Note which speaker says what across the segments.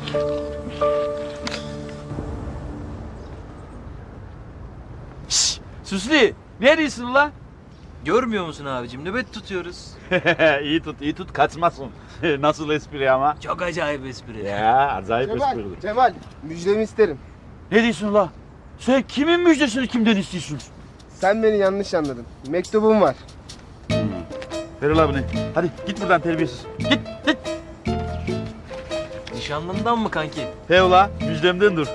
Speaker 1: Şşş, Süslü, neredesin ulan?
Speaker 2: Görmüyor musun abicim? Nöbet tutuyoruz.
Speaker 1: iyi tut, kaçmasın. Nasıl espri ama?
Speaker 2: Çok acayip espri.
Speaker 1: Ya, acayip espri.
Speaker 3: Cemal, müjdemi isterim.
Speaker 1: Ne diyorsun ulan? Sen kimin müjdesini kimden istiyorsun?
Speaker 3: Sen beni yanlış anladın. Mektubum var.
Speaker 1: Ver ulan bunu. Hadi git buradan terbiyesiz. Git.
Speaker 2: Nişanlından mı kanki?
Speaker 1: He ulan, müjdemden dur.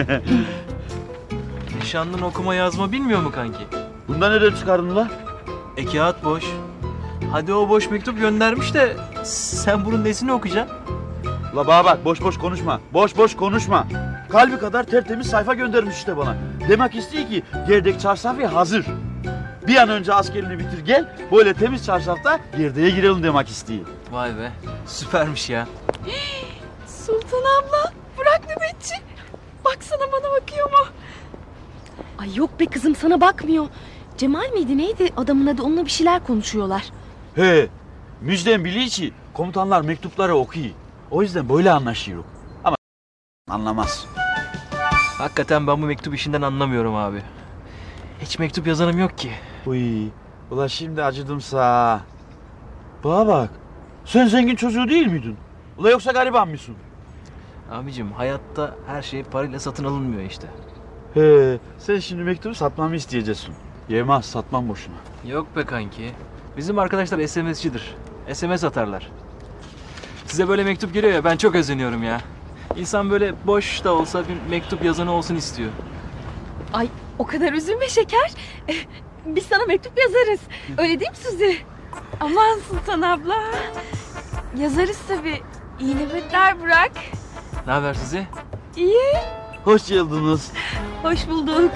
Speaker 2: Nişanlın okuma yazma bilmiyor mu kanki?
Speaker 1: Bundan nereden çıkardın ulan?
Speaker 2: Kağıt boş. Hadi o boş mektup göndermiş de sen bunun nesini okuyacaksın?
Speaker 1: Ula bana bak, boş konuşma. Boş konuşma. Kalbi kadar tertemiz sayfa göndermiş işte bana. Demek istiyor ki gerdek çarşafı hazır. Bir an önce askerini bitir gel, böyle temiz çarşafta gerdeğe girelim demek istiyor.
Speaker 2: Vay be, süpermiş ya.
Speaker 4: Sultan abla, bırak nöbetçi. Baksana bana bakıyor mu?
Speaker 5: Ay yok be kızım, sana bakmıyor. Cemal miydi neydi adamın adı, onunla bir şeyler konuşuyorlar.
Speaker 1: He, müjdem biliyor ki komutanlar mektupları okuyor. O yüzden böyle anlaşıyoruz. Ama anlamaz.
Speaker 2: Hakikaten ben bu mektup işinden anlamıyorum abi. Hiç mektup yazanım yok ki.
Speaker 1: Uy, ulan şimdi acıdımsa. Bana bak, sen zengin çocuğu değil miydin? Ula yoksa gariban mısın?
Speaker 2: Abicim hayatta her şey parayla satın alınmıyor işte.
Speaker 1: He, sen şimdi mektubu satmamı isteyeceksin. Yemez, satmam boşuna.
Speaker 2: Yok be kanki. Bizim arkadaşlar SMS'cidir. SMS atarlar. Size böyle mektup geliyor ya, ben çok özeniyorum ya. İnsan böyle boş da olsa bir mektup yazanı olsun istiyor.
Speaker 5: Ay o kadar üzülme şeker. Biz sana mektup yazarız. Öyle değil mi Suzi?
Speaker 4: Aman Sultan abla. Yazarız tabii. İyi nöbetler bırak.
Speaker 2: Ne haber size?
Speaker 4: İyi,
Speaker 1: Hoş geldiniz.
Speaker 4: hoş bulduk.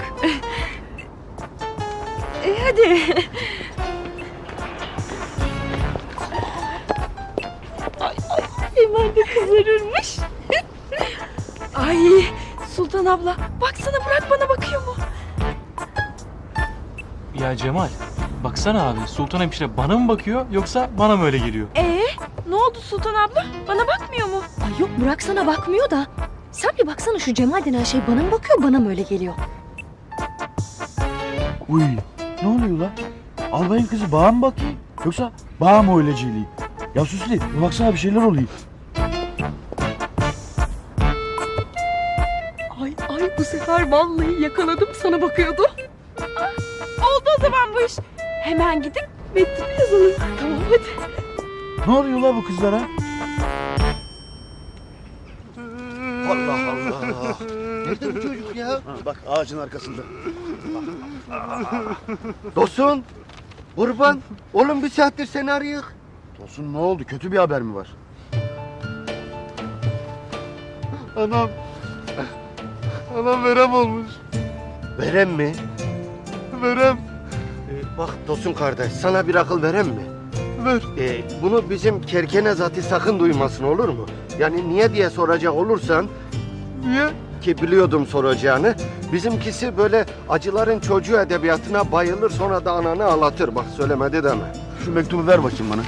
Speaker 4: Hadi.
Speaker 5: Hemen de kızarırmış.
Speaker 4: Ay Sultan abla, baksana bırak bana bakıyor mu?
Speaker 2: Ya Cemal, baksana abi, Sultan Hemşire bana mı bakıyor yoksa bana mı öyle geliyor?
Speaker 4: Ne oldu Sultan abla? Bana bakmıyor mu?
Speaker 5: Ay yok, Burak sana bakmıyor da. Sen bir baksana, şu Cemal denen şey bana mı bakıyor, bana mı öyle geliyor?
Speaker 1: Uy, ne oluyor lan? Albayın kızı bağa mı bakıyor? Yoksa bağa mı öyleciliği? Ya Süslü, bir baksana bir şeyler oluyor.
Speaker 5: Ay bu sefer vallahi yakaladım, sana bakıyordu.
Speaker 4: Oldu o zaman bu iş. Hemen gidip mektup yazalım.
Speaker 5: Tamam hadi.
Speaker 1: Ne oluyor lan bu kızlara?
Speaker 6: Allah Allah. Nerede bu çocuk ya?
Speaker 3: Bak ağacın arkasında.
Speaker 6: Dostum. Kurban. Oğlum bir saattir seni arıyor.
Speaker 3: Tosun ne oldu? Kötü bir haber mi var?
Speaker 6: Anam. Anam verem olmuş. Verem mi? Verem. Bak Tosun kardeş, sana bir akıl verem mi? Ver. Bunu bizim Kerkene zati sakın duymasın, olur mu? Yani niye diye soracak olursan... Niye? Ki biliyordum soracağını. Bizimkisi böyle acıların çocuğu edebiyatına bayılır, sonra da ananı ağlatır. Bak söylemedi deme.
Speaker 3: Şu mektubu ver bakayım bana.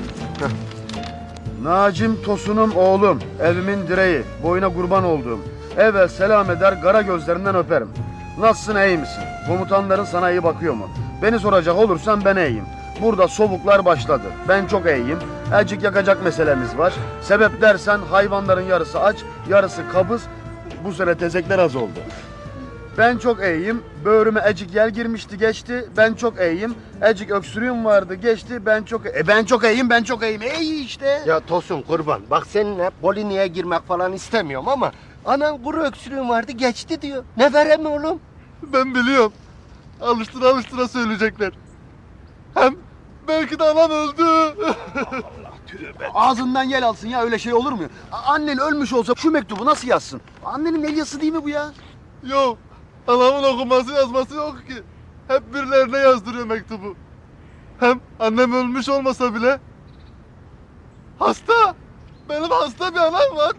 Speaker 3: Nacim Tosun'um oğlum, evimin direği, boyuna kurban olduğum. Evvel selam eder, kara gözlerinden öperim. Nasılsın, iyi misin? Komutanların sana iyi bakıyor mu? Beni soracak olursan ben iyiyim. Burada soğuklar başladı. Ben çok iyiyim. Elcik yakacak meselemiz var. Sebep dersen hayvanların yarısı aç, yarısı kabız. Bu sene tezekler az oldu. Ben çok iyiyim. Böğrüme ecik yel girmişti, geçti. Ben çok iyiyim. Ecik öksürüğüm vardı, geçti. Ben çok iyiyim, ben çok iyiyim. İyi işte.
Speaker 6: Ya Tosun kurban, bak seninle Polini'ye girmek falan istemiyorum ama... Anan kuru öksürüğün vardı, geçti diyor. Ne verem oğlum?
Speaker 7: Ben biliyorum. Alıştıra söyleyecekler. Hem belki de anam öldü.
Speaker 3: Ağzından yel alsın ya, öyle şey olur mu? Annen ölmüş olsa şu mektubu nasıl yazsın? Annenin el yazısı değil mi bu ya?
Speaker 7: Yok. Anamın okuması yazması yok ki. Hep birilerine yazdırıyor mektubu. Hem annem ölmüş olmasa bile... Hasta. Benim hasta bir anam var.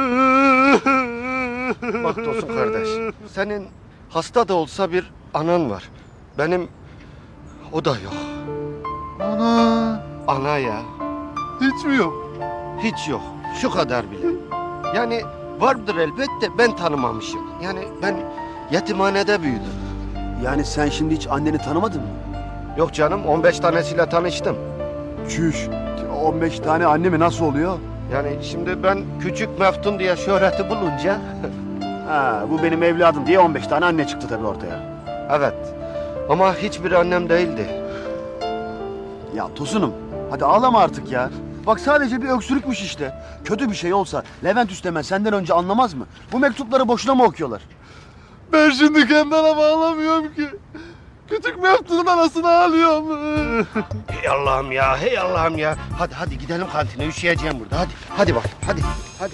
Speaker 6: Bak Tosun kardeş, senin hasta da olsa bir anan var. Benim o da yok.
Speaker 7: Ana.
Speaker 6: Ana ya,
Speaker 7: Hiç mi yok?
Speaker 6: hiç yok. Şu kadar bile. Yani Vardır elbette, ben tanımamışım. Yani ben yetimhanede büyüdüm.
Speaker 3: Yani sen şimdi hiç anneni tanımadın mı?
Speaker 6: Yok canım, 15 tanesiyle tanıştım.
Speaker 3: Çüş. 15 tane anne mi nasıl oluyor?
Speaker 6: Yani şimdi ben küçük Meftun diye şöhreti bulunca...
Speaker 3: Ha, bu benim evladım diye 15 tane anne çıktı tabii ortaya.
Speaker 6: Evet, ama hiçbir annem değildi.
Speaker 3: Ya Tosun'um hadi ağlama artık ya. Bak sadece bir öksürükmüş işte. Kötü bir şey olsa Levent Üstemen senden önce anlamaz mı? Bu mektupları boşuna mı okuyorlar?
Speaker 7: Ben şimdi kendi anama ağlamıyorum ki. Küçük Meftun'un anasını ağlıyorum.
Speaker 6: Hey Allah'ım ya, hey Allah'ım ya. Hadi gidelim kantine, üşüyeceğim burada. Hadi bak, hadi.